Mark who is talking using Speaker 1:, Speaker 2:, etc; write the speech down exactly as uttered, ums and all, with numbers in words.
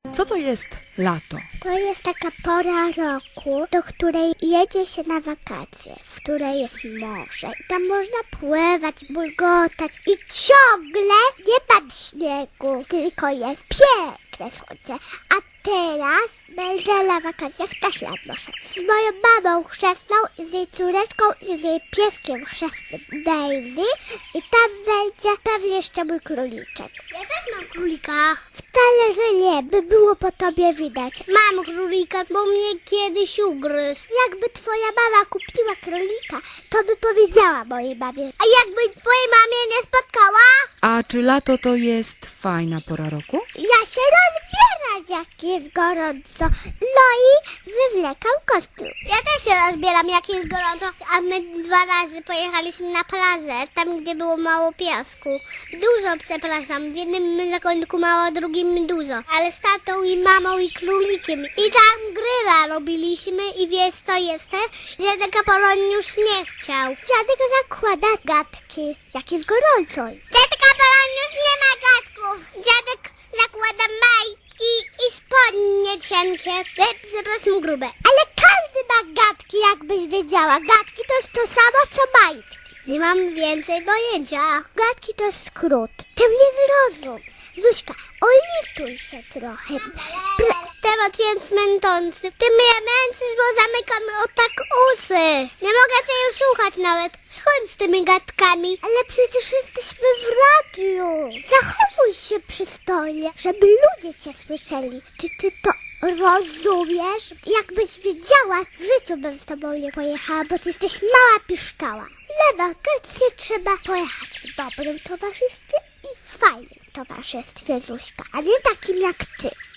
Speaker 1: Co to jest lato?
Speaker 2: To jest taka pora roku, do której jedzie się na wakacje, w której jest morze i tam można pływać, bulgotać i ciągle nie ma śniegu, tylko jest piękne słońce. A teraz będę na wakacjach też nad morzem. Z moją mamą chrzestną, z jej córeczką i z jej pieskiem chrzestnym Daisy i tam będzie pewnie jeszcze mój króliczek.
Speaker 3: Ja też mam królika.
Speaker 2: Wcale, że nie, by było po tobie widać.
Speaker 3: Mam królika, bo mnie kiedyś ugryzł.
Speaker 2: Jakby twoja mama kupiła królika, to by powiedziała mojej mamie.
Speaker 3: A jakby twojej mamie nie spotkała?
Speaker 1: A czy lato to jest fajna pora roku?
Speaker 2: Ja się rozbieram, jak jest gorąco. No i wywlekam kostium.
Speaker 3: Ja też się rozbieram, jak jest gorąco, a my dwa razy pojechaliśmy na plażę, tam gdzie było mało piasku. Dużo, przepraszam, w jednym zakątku mało, a drugim dużo. Ale z tatą i mamą i królikiem. I tam gryla robiliśmy i wiesz co jeszcze? Dziadek Apolon już nie chciał.
Speaker 2: Dziadek zakłada gadki, jak jest gorąco.
Speaker 3: Dziadek Apolon już nie ma gadków. Dziadek zakłada majtki i spodnie cienkie. E, przepraszam, grube.
Speaker 2: Ale każdy ma gadki, jakbyś wiedziała. Gadki to jest to samo, co majtki.
Speaker 3: Nie mam więcej pojęcia.
Speaker 2: Gadki to jest skrót. Ty mnie zrozum. Zuśka, olituj się trochę. Pre-
Speaker 3: Temat jest męczący. Ty mnie męczysz, bo zamykam o tak uszy. Nie mogę cię już słuchać nawet. Schodź z tymi gadkami.
Speaker 2: Ale przecież jesteśmy w radiu. Zachowuj się przystojnie, żeby ludzie cię słyszeli. Czy ty to rozumiesz? Jakbyś wiedziała, w życiu bym z tobą nie pojechała, bo ty jesteś mała piszczała. Na wakacje trzeba pojechać w dobrym towarzystwie i w fajnym towarzystwie, Zuśka, a nie takim jak ty.